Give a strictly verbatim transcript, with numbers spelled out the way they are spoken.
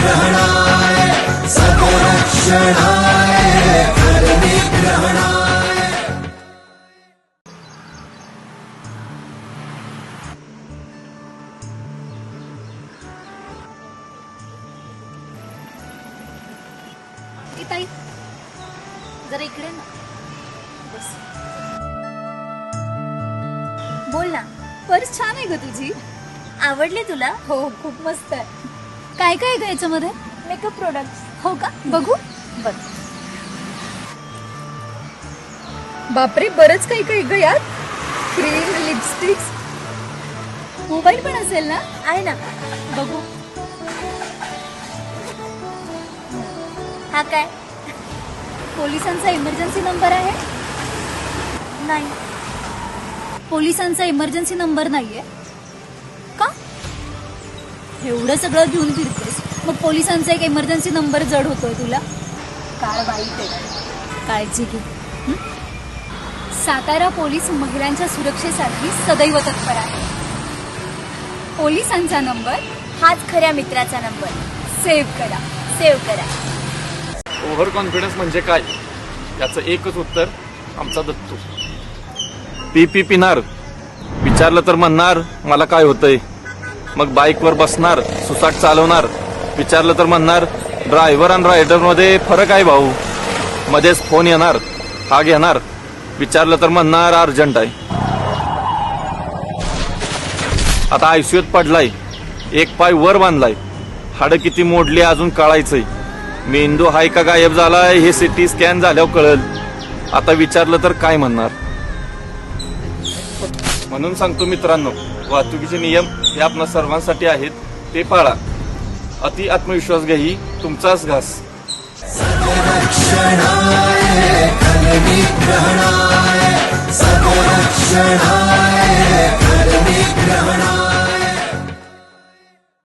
निग्रहणाय सकलक्षणाय कर निग्रहणाय। ए ताई, जरा इकडे ना बस। बोल ना। पर्स छान आहे ग तुझी, आवडली तुला? हो खूप मस्त आहे। काय काय ग याच्यामध्ये? Makeup products. हो का, बघू। बघ बापरे, बरंच काही काही ग यात। क्रीम, लिपस्टिक्स, मोबाईल पण असेल ना? आहे ना, बघू। हा काय? पोलिसांचा इमर्जन्सी नंबर आहे? नाही, पोलिसांचा इमर्जन्सी नंबर नाहीये का? एवढं सगळं घेऊन फिरतेस, मग पोलिसांचा एक इमर्जन्सी नंबर जड होतोय तुला? काय वाईट आहे, काळजी घे। सातारा पोलीस महिलांच्या सुरक्षेसाठी सदैव तत्पर आहे। पोलिसांचा नंबर हाच खऱ्या मित्राचा नंबर। सेव्ह करा, सेव्ह करा। ओव्हर कॉन्फिडन्स म्हणजे काय याचं एकच उत्तर आमचा दत्तू। पी पी पिणार, विचारलं तर म्हणणार मला काय होतंय, मग बाईकवर बसणार, सुसाट चालवणार, विचारलं तर म्हणणार ड्रायव्हर आणि रायडर मध्ये फरक आहे भाऊ, मध्येच फोन येणार, हा घेणार, विचारलं तर म्हणणार अर्जंट आहे। आता आयसीयूत पडलाय, एक पाय वर बांधलाय, हाडं किती मोडली अजून कळायचंय, मेंदू हाय का गायब झालाय हे सिटी स्कॅन झाल्यावर कळल, आता विचारलं तर काय म्हणणार। म्हणून सांगतो मित्रांनो, वाहतुकीचे नियम हे आपल्या सर्वांसाठी आहेत, ते पाळा। अति आत्मविश्वास घ्याही तुमचाच घास। सकलक्षणाय कर निग्रहणाय सकलक्षणाय